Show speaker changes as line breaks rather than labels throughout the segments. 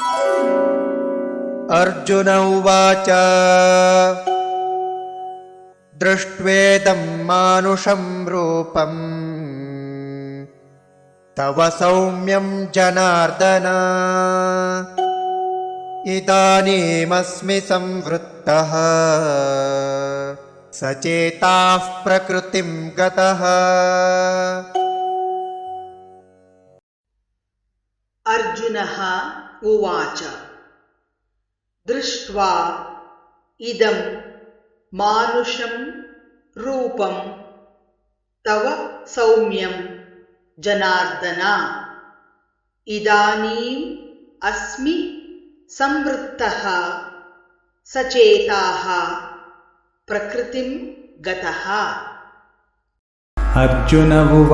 अर्जुन उवाच दृष्ट्वेदं मानुषं रूपं तव सौम्यं जनार्दन इदानीमस्मि संवृत्तः सचेताः प्रकृतिं गतः।
अर्जुनः उवाच दृष्ट्वा इदं मानुषं रूपं तव सौम्यं जनार्दन इदानीम् अस्मि संवृत्तः सचेताः प्रकृतिं गतः।
अर्जुन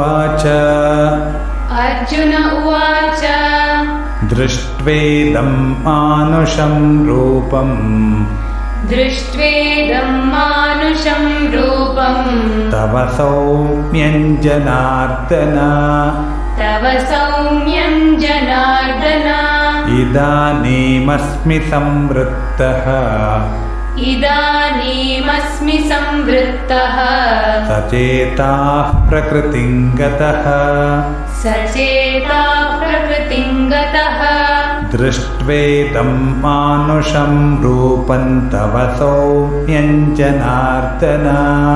उवाच दृष्ट्वेदं मानुषं रूपं तव सौम्यं जनार्दन इदानीमस्मि संवृत्तः सचेताः प्रकृतिं गतः। दृष्ट्वेदं मानुषं रूपं तव सौम्यं जनार्दन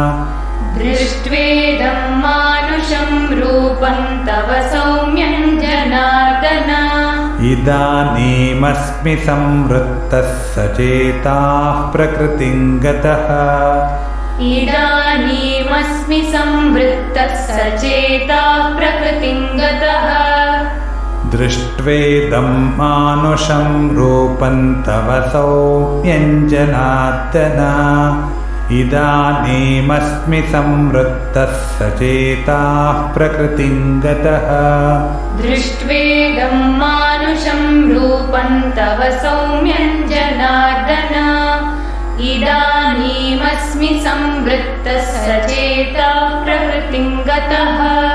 इदानीमस्मि संवृत्तः सचेताः प्रकृतिं गतः। दृष्ट्वेदं मानुषं रूपं तव सौम्यं जनार्दन इदानीमस्मि संवृत्तः सचेताः प्रकृतिं गतः।
दृष्ट्वेदं मानुषं रूपं तव सौम्यं जनार्दन इदानीमस्मि संवृत्तः सचेताः प्रकृतिं गतः।